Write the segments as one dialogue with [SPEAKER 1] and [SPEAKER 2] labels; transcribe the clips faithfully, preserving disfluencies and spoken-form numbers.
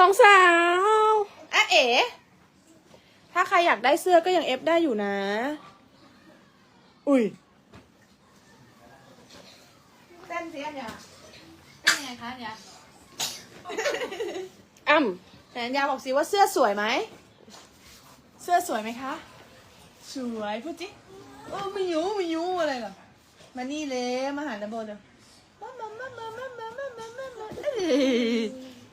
[SPEAKER 1] สองสาว
[SPEAKER 2] อ่ะเอ๋ถ้าใครอยากได้เสื้อก็ยังเอฟได้อยู่นะ อุ้ยเต้นสิอันยาเต้นยังไงคะอันยา
[SPEAKER 1] อ้ำ
[SPEAKER 2] แต่อันยาบอกสิว่าเสื้อสวยไหม เสื้อสวยไหมคะ สวยพูดจิโอ้ไม่ยูไม่ยูอะไรหรอมานี่เลยมาหาดับเบิลเดี๋ยวมามามามามามามามามามาเอ้ย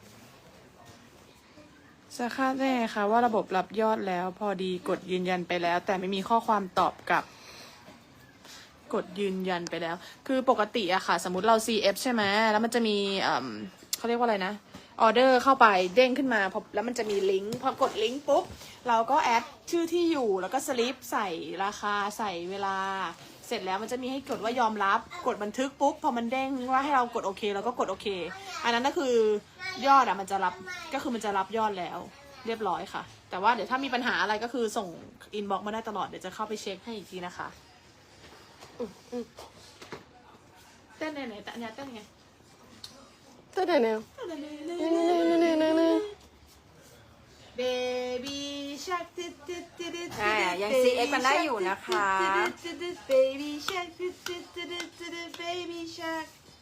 [SPEAKER 2] จะคาดได้ไงคะว่าระบบรับยอดแล้ว พอดีกดยืนยันไปแล้ว แต่ไม่มีข้อความตอบกลับ กดยืนยันไปแล้ว คือปกติอะค่ะ สมมติเรา ซี เอฟ ใช่ไหมแล้วมันจะมีเอ่อเขาเรียกว่าอะไรนะออเดอร์เข้าไปเด้งขึ้นมาพอแล้วมันจะมีลิงก์พอกดลิงก์ปุ๊บเราก็แอดชื่อที่อยู่แล้วก็สลิปใส่ราคาใส่เวลา เสร็จแล้วมันจะมีให้กดว่ายอมรับกดบันทึกปุ๊บพอมันเด้งว่าให้เรากดโอเคเราก็กดโอเคอันนั้นก็คือยอดอะมันจะรับก็คือมันจะรับยอดแล้วเรียบร้อยค่ะ แต่ว่าเดี๋ยวถ้ามีปัญหาอะไรก็คือส่งอินบ็อกซ์มาได้ตลอดเดี๋ยวจะเข้าไปเช็คให้อีกทีนะคะอืมอืมเต้นไหนไหนแต่อันยาเต้นไง
[SPEAKER 1] เต้นไหนแนวนี่นี่นี่นี่นี่นี่
[SPEAKER 2] Baby Shark
[SPEAKER 3] อ่ายัง ซี เอ็กซ์ กันได้อยู่นะคะ
[SPEAKER 2] Baby Shark Baby Shark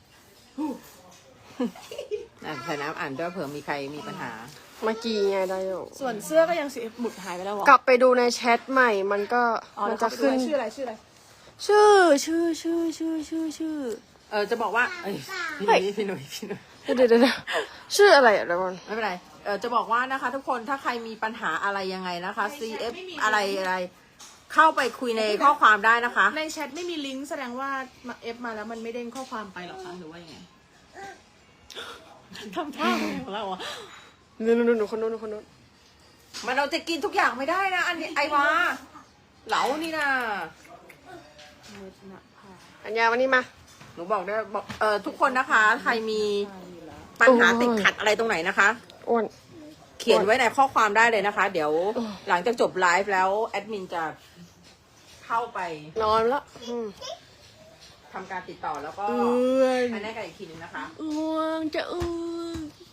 [SPEAKER 3] อ่านใส่น้ำอ่านด้วยเผื่อมีใครมีปัญหา
[SPEAKER 1] เมื่อกี้ไงได้อยู่
[SPEAKER 2] ส่วนเสื้อก็ยังสีหมุดหายไปแล้วเหรอก
[SPEAKER 1] ลับไปดูในแชทใหม่มันก็
[SPEAKER 2] อ๋อ
[SPEAKER 1] มัน
[SPEAKER 2] แล้ว
[SPEAKER 1] จะ
[SPEAKER 2] เขาไปดู
[SPEAKER 1] ขึ้น
[SPEAKER 2] ชื่ออะไรชื่ออะไร
[SPEAKER 1] ชื่อชื่อชื่อชื่อชื่อชื่อ
[SPEAKER 3] เออจะบอกว่าเอ้ยพี่หนุ่ยพี่หนุ่ยพี่หนุ่ย
[SPEAKER 1] เดี๋ยวเดี๋ยวเดี๋ยวชื่ออะไรอะเดี๋ยวก่อน
[SPEAKER 3] ไม่เป็นไรเออจะบอกว่านะคะ ทุกคนถ้าใครมีปัญหาอะไรยังไงนะคะ ซี เอฟ อะไรอะไร เข้าไปคุยในข้อความได้นะคะ
[SPEAKER 2] ในแชทไม่มีลิงก์แสดงว่าเอฟมาแล้วมันไม่เด้งข้อความไปหรอคะหรือว่ายังไงทำท่าอะไรของเราอ่ะ
[SPEAKER 1] นู่นนู่นนู่นคนนู้นคนนู้น
[SPEAKER 3] มันเราจะกินทุกอย่างไม่ได้นะ อันนี้ไอวาเหลานี่นะ
[SPEAKER 1] อัญญาวันนี้มา
[SPEAKER 3] หนูบอกได้บอกเออทุกคนนะคะ ใครมีปัญหาติดขัดอะไรตรงไหนนะคะ
[SPEAKER 1] อ้วน
[SPEAKER 3] เขียนไว้ในข้อความได้เลยนะคะ เดี๋ยวหลังจากจบไลฟ์แล้วแอดมินจะเข้าไป
[SPEAKER 1] นอนแล้วอืม
[SPEAKER 3] ทำการติดต่อแล้วก็
[SPEAKER 2] เอ้ย
[SPEAKER 3] ไปแน่กันอีกทีนึงนะคะ
[SPEAKER 2] อ้วงจะอ้วง